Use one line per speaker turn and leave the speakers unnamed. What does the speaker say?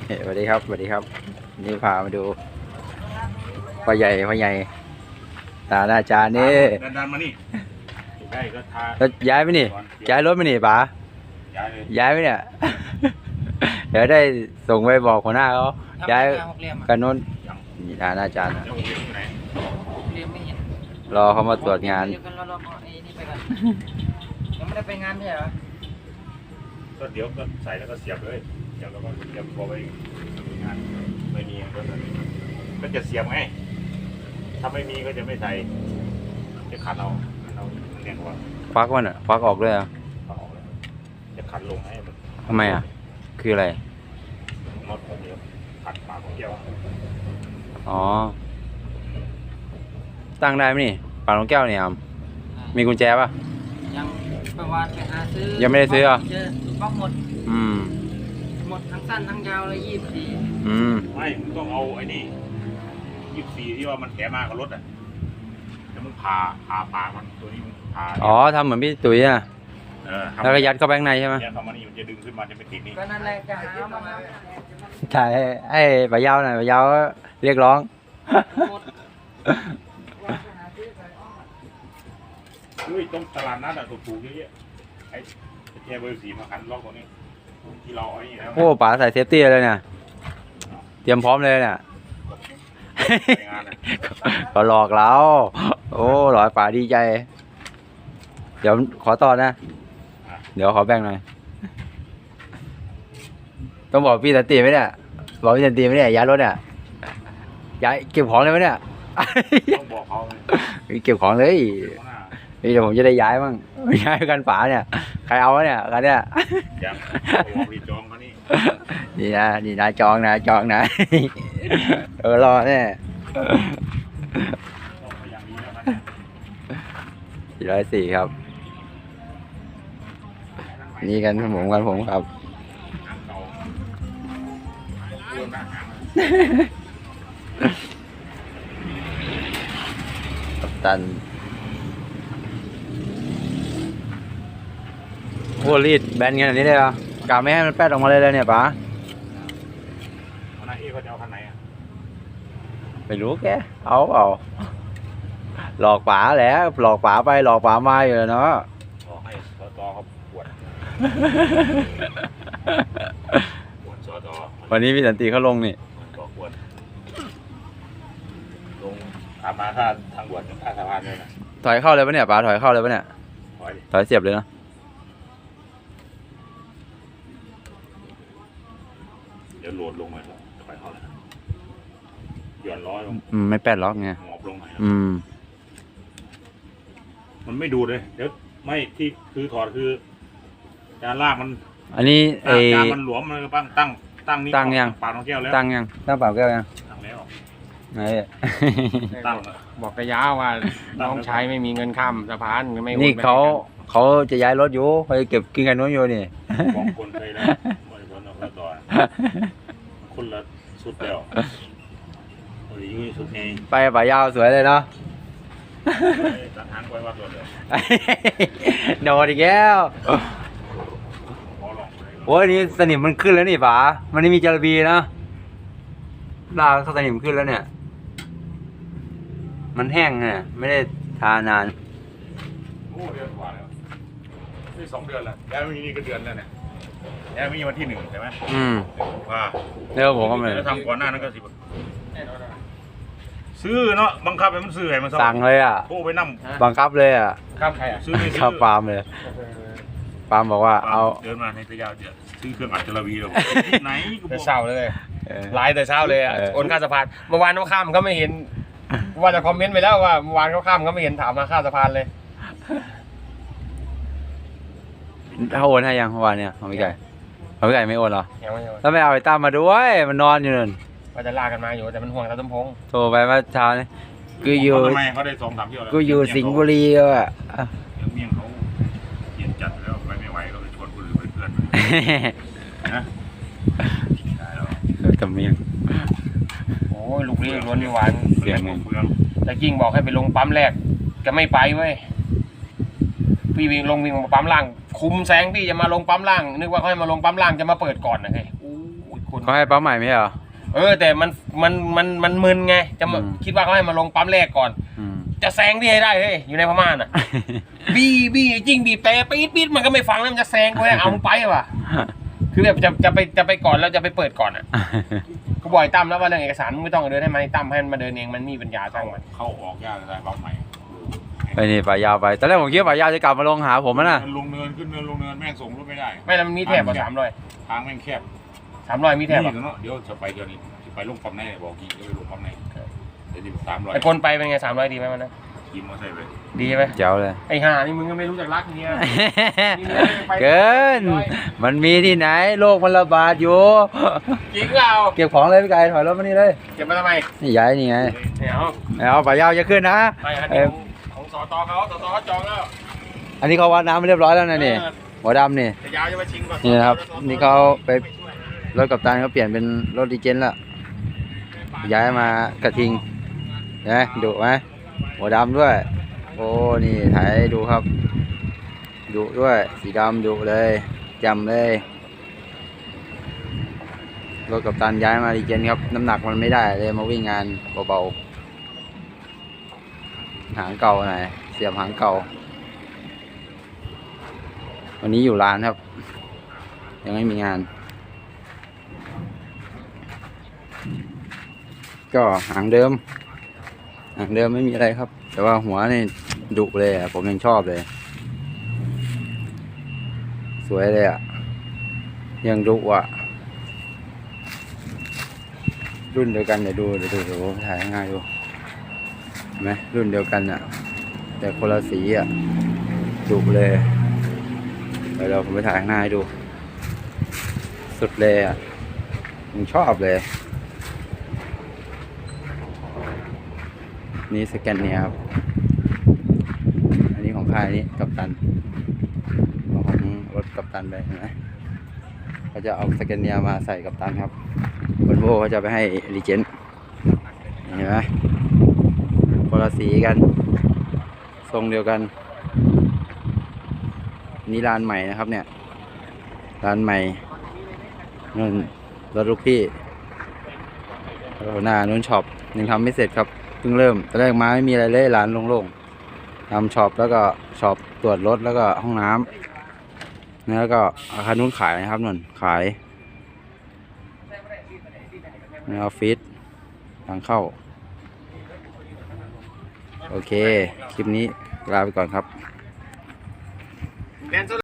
สวัสดีครับสวัสดีครับนี่พามาดูพ่อใหญ่ตาหน้าจานนี่
ดันมานี่ได้ก็ทา
แล้วย้ายไหมนี่ย้ายรถไหมนี่ป๋า
ย้ายเลย
ย้ายไหมเนี่ย เดี๋ยวได้ส่งไปบอกหัวหน้าเขาย้ายกันโน้นนี่ตาหน้าจานนะ
เดี๋ยวผมเรียนที่ไหน
เรียนไม่เห็น
รอเขามาตรวจงาน
เดี๋ยวกันรอไอ้นี่ไปก่อนยังไม่ได้ไปงานใช่เหรอ
ก็เดี๋ยวก็ใส่แล้วก็เสียบเลยเสียบแล้วก็เสียบพอไปงานไม่มีก็จะเสียบไงถ้าไม่มีก็จะไม่ใส่จะขันเอาเรียนว่า
ฟักมันอ่ะฟักออกเลยอ่ะ
เอาออกเลยจะขันลงให้มัน
ทำไมอ่ะคืออะไร
มดเดียวขัดปากของแก้ว
อ๋อตั้งได้ไหมนี่ปากน้องแก้วเนี่ยครับมีกุญแจป่ะ
ยังประวานไปหาซื้อ
ยังไม่ได้ซื้อเหรอ
เจอถูกบล็อกหมด หมดทั้งสั้นทั้งยาวเลย24
ไม่มึงต้องเอาไอ้นี่24ที่ว่ามันแถมมากับรถอ่ะแล้วมึงผ่าปากมันตัวนี้มึงผ่า
อ๋อทำเหมือนพี่ตุ๋ยอ่ะ
ทำ
แล้วก็ยัดเข้าไปข้างในใช่ไหม
เนี่ยเข้ามานี่มันจะดึงขึ้นมาจะไม่ติดนี่
ก็นั่นแหละจะหามา
ถ่ายให้ป๋ายาวหน่อยป๋ายาวเรียกร้อง
หมด
เฮ้ยต้องตลาดนัดอะถูกๆเยอะๆไอ้แค่เบอร์4มาขันล็อกตัวนี้ที่เราเอาไอ้นี่แล้ว
โอ้ป๋าใส่เซฟตี้เลยเนี่ยเตรียมพร้อมเลยเนี่ย
ไปงานอะ
ก็หลอกเราโอ้หลอยป๋าดีใจ เดี๋ยวขอต่อนะ เดี๋ยวขอแบ่งหน่อยต้องบอกพี่สันติไหมเนี่ยบอกพี่สันติไหมเนี่ยย้ายรถเนี่ยย้ายเก็บของเลยไหมเนี่ย
ต้องบอกเขาเลย
เก็บของเลย
ข้างหน้า
นี่เดี๋ยวผมจะได้ย้ายบ้างย้ายกันป๋าเนี่ยใครเอาวะเนี่ยกันเนี่ย
ยังบอกรีจองเขานี่
นี่นะจองนะ รอแน่
ต้องไปอย่างนี้แล้วนะ
404ครับนี่กันผมครับ
ทางเก่าเรื่องหน้าหาง
กัปตันโอ้รีดแบนกันแบบนี้เลยเหรอกะไม่ให้มันแป๊ดออกมาเลยเนี่ยป๋า
หัวหน้าเอ๊เขาจะเอาคันไหนอ่ะ
ไม่รู้แกเอาเปล่าหลอกป๋าแหละหลอกป๋าไปหลอกป๋ามาอยู่เนาะ
บอกให้สตเขาปวดสต
วันนี้พี่สันติเขาลงนี่
บอกปวดลงตามมาค่าทางด่วนค่าสะพานเลยนะ
ถอยเข้าเลยปะเนี่ยป๋าถอยเข้าเลยปะเนี่ย
ถอยดิ
ถอยเสียบเลยนะ
เดี๋ยวโหลดลงมาจะไปเข้าเลยหย่อนร้อยลง
ไม่แป๊ดล็อกไง
หมอบลงหน่อย มันไม่ดูดเลย เดี๋ยวไม่ที่คือถอดคือจานลากมัน
อันนี้
จานมันหลวมมันก็ตั้งนี่
ตั้งยัง
ปากของแก้วแล้ว
ตั้งยังตั้งเปล่าแก้วยัง
ตั้งแล้ว
ไหน
ตั้ง
บอกกระยาว่าน้องชายไม่มีเงินข้ามสะพานไม่โอ
นี่
ไป
เขาจะย้ายรถอยู่เขาจะเก็บกินกันนู้นอยู่นี่
บอกคนเคยแล้วไม่พ้นออกแล้วต่อคนละสุดแล้วโอ้ยยุ่ยสุดเอง
ไปป่ายาวสวยเลยเนาะ
ตัดทางไว้ว่าตัวเลย
โดนอีกแล้ว
พอลองเลย
โอ้ยนี่สนิมมันขึ้นแล้วนี่ป๋ามันไม่มีจาระบีนะลากสนิมขึ้นแล้วเนี่ย มันแห้งเนี่ยไม่ได้ทานาน
โอ้เดือนกว่าแล้วนี่2 เดือนแล้วแล้วมีนี่ก็เดือนแล้วเนี่ยแล้วมีวันที่1ใช่ไหมว่า
แล้วผมก็ไม่
แล้วทำก่อนหน้านั้นก็10ซื้อเนาะบังคับให้มันซื้อให้มัน
สั่งเลยอ่ะ
โทรไปนั่ง
บังคับเลยอ่ะ
ข้ามใครอ่ะ
ซื้อไม่ซื้อ
ขับปาล์มเลยปาล์มบอกว่าเอา
เดินมาในระยะเดียวซื้อเครื่องอัดจระบีเลยไหนกูบ
แต่
อก
เช้าเลย
เออ
ไลน์แต่เช้าเลยอ่ะ
เออ
โอนค่าสะพานเมื่อวานเขาข้ามเขาไม่เห็นว่าจะคอมเมนต์ไปแล้วว่าเมื่อวานเขาข้ามเขาไม่เห็นถามมาค่าสะพานเลย
ถ้าโอนให้ยังเมื่อวานเนี่ยของพี่ไก่ไม่โอนเหรอ
ยังไม่โอน
แล้วไม่เอาไอ้ตั้มมาด้วยมันนอนอยู่นั่น
ว่าจะลากกันมาอยู่แต่มันห่วงตาต้มพง
โทรไปเมื่อเช้านี่กูอยู่
ทำไมเขาได้2-3 เที่ยวแล้ว
กูอยู่สิงห์บุรีอ่ะ
เมี่ยงเขาเย็นจัดแล้วไปไม่ไหวก็เลยชวนคนอื่นเป็นเพื่อนนะได้แล้ว
ตำเมียง
โอ้ยลูกนี้ล้วนเมื่อวาน
เสียง
เมือง
แต่กิ้งบอกให้ไปลงปั๊มแรกก็ไม่ไปเว้ยพี่วิ่งมาปั๊มล่าง คุมแซงพี่จะมาลงปั๊มล่างนึกว่าเขาให้มาลงปั๊มล่างจะมาเปิดก่อนนะเฮ้ยโอ้ยคน
เขาให้ปั๊มใหม่ไหมเหรอ
แต่มันมึนไงจะมา
อืม
คิดว่าเขาให้มาลงปั๊มแรกก่อน
อืม
จะแซงพี่ให้ได้เฮ้ยอยู่ในพม่าน่ะ บี้จริงบีบแต่ปี๊ดมันก็ไม่ฟังแล้วมันจะแซงกูให้เอามึงไปว่ะคือแบบจะไปก่อนแล้วจะไปเปิดก่อนอ่ะก็บ่อยตั้มแล้วว่าเรื่องเอกสารมึงไม่ต้องเดินให้มันตั้มให้มันมาเดินเองมันมีปัญญาจ้างมัน
เข้าออกยากอะไรปั๊มใหม่
ไปนี่ป่ายาวไปตอนแรกผมคิดว่าป่ายาวจะกลับมาลงหาผมนะ
ลงเนินขึ้นเนินลงเนินแม่งส่งรถไม่ได้
ไม่แล้วมันมีแถบกว่า300
ทางแม่งแคบ
300มีแถบ
นี่เนาะเดี๋ยวจะไปเดี๋ยวนี้จะไปลงปั๊มไหนบอกกี่จะไปลงปั๊มไหนเดี๋ยว300
ไอ้คนไปเป็นไง300ดีไหมมันนะ
ขี่มอเตอร์ไซค์ไป
ดีไหม
เจ๋วเลย
ไอ้ห่านี่มึงก็ไม่รู้จักรักเนี่ย
เกิน มันมีที่ไหนโรคมันระบาดอยู่
จริงเปล่า
เก็บของเลยพี่ไก่ถอยรถมานี่เลย
เก็บมาทำไม
นี่ย้ายนี่ไง
เนี่ยเอา
เอาป่ายาวจะขึ้นนะ
ไปอัน
เอ้
นี้
ย
ของสตเขาจองแล้ว
อันนี้เขาวัดน้ำไปเรียบร้อยแล้วนะนี่หัวดำนี่
จะยาวจะมาชิงก่อน
นี่นะครับนี่เขาไปรถกัปตันเขาเปลี่ยนเป็นรถดีเจนแล้วย้ายมากระทิงเห็นไหมดุไหมหัวดำด้วย โอ้นี่ถ่ายให้ดูครับดุด้วยสีดำดุเลยจำเลยรถกัปตันย้ายมาดีเจนครับน้ำหนักมันไม่ได้เลยมาวิ่งงานเบาๆหางเก่าหน่อยเสียบหางเก่าวันนี้อยู่ร้านครับ ยังไม่มีงาน ก็หางเดิมไม่มีอะไรครับ แต่ว่าหัวนี่ดุเลยอ่ะผมยังชอบเลย สวยเลยอ่ะยังดุอ่ะรุ่นเดียวกันเดี๋ยวดูถ่ายง่ายดูเห็นไหมรุ่นเดียวกันอ่ะแต่คนละสีอ่ะดุเลยเดี๋ยวผมไปถ่ายข้างหน้าให้ดู สุดเลยอ่ะผมชอบเลยนี่สแกนเนียครับอันนี้ของค่ายนี้กัปตันของรถกัปตันไปเห็นไหมเขาจะเอาสแกนเนียมาใส่กัปตันครับวอลโว่เขาจะไปให้รีเจนเห็นไหมคนละสีกันทรงเดียวกันนี่ร้านใหม่นะครับเนี่ยร้านใหม่นู่นรถลูกพี่หน้านู้นช็อปยังทำไม่เสร็จครับเพิ่งเริ่มตอนแรกมาไม่มีอะไรเลยร้านโล่งๆทำช็อปแล้วก็ช็อปตรวจรถแล้วก็ห้องน้ำแล้วก็อาคารนู้นขายนะครับนุ่นขายในออฟฟิศทางเข้าโอเคคลิปนี้ลาไปก่อนครับ